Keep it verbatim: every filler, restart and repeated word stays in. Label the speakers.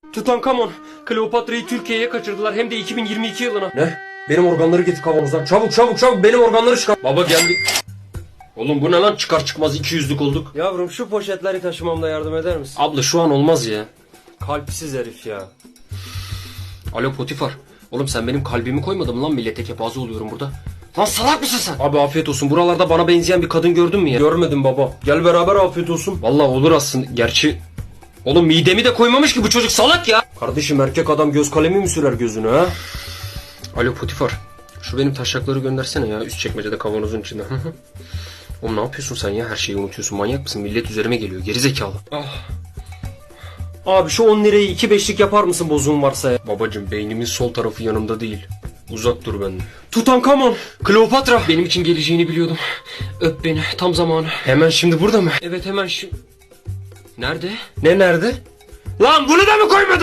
Speaker 1: Tutankamon, Kleopatra'yı Türkiye'ye kaçırdılar hem de iki bin yirmi iki yılına. Ne? Benim organları getir kavanozdan. Çabuk çabuk çabuk benim organları çıkar. Baba geldik. Oğlum bu ne lan, çıkar çıkmaz iki yüzlük olduk. Yavrum şu poşetleri taşımamda yardım eder misin? Abla şu an olmaz ya. Kalpsiz herif ya. Alo Potifar. Oğlum sen benim kalbimi koymadın mı lan, millete kepaze oluyorum burada. Lan salak mısın sen? Abi afiyet olsun. Buralarda bana benzeyen bir kadın gördün mü ya? Görmedim baba. Gel beraber afiyet olsun. Vallahi olur aslında. Gerçi oğlum midemi de koymamış ki bu çocuk, salak ya. Kardeşim erkek adam göz kalemi mi sürer gözüne ha? Alo Potifar. Şu benim taşakları göndersene ya, üst çekmecede kavanozun içinde. Oğlum ne yapıyorsun sen ya, her şeyi unutuyorsun, manyak mısın? Millet üzerime geliyor, geri zekalı. Ah. Abi şu on lirayı iki beşlik yapar mısın bozuğun varsa ya? Babacım beynimin sol tarafı yanımda değil. Uzak dur benden. Tutankamon, Kleopatra. Benim için geleceğini biliyordum. Öp beni, tam zamanı. Hemen şimdi burada mı? Evet hemen şimdi. Nerede? Ne nerede? Lan bunu da mı koymadın?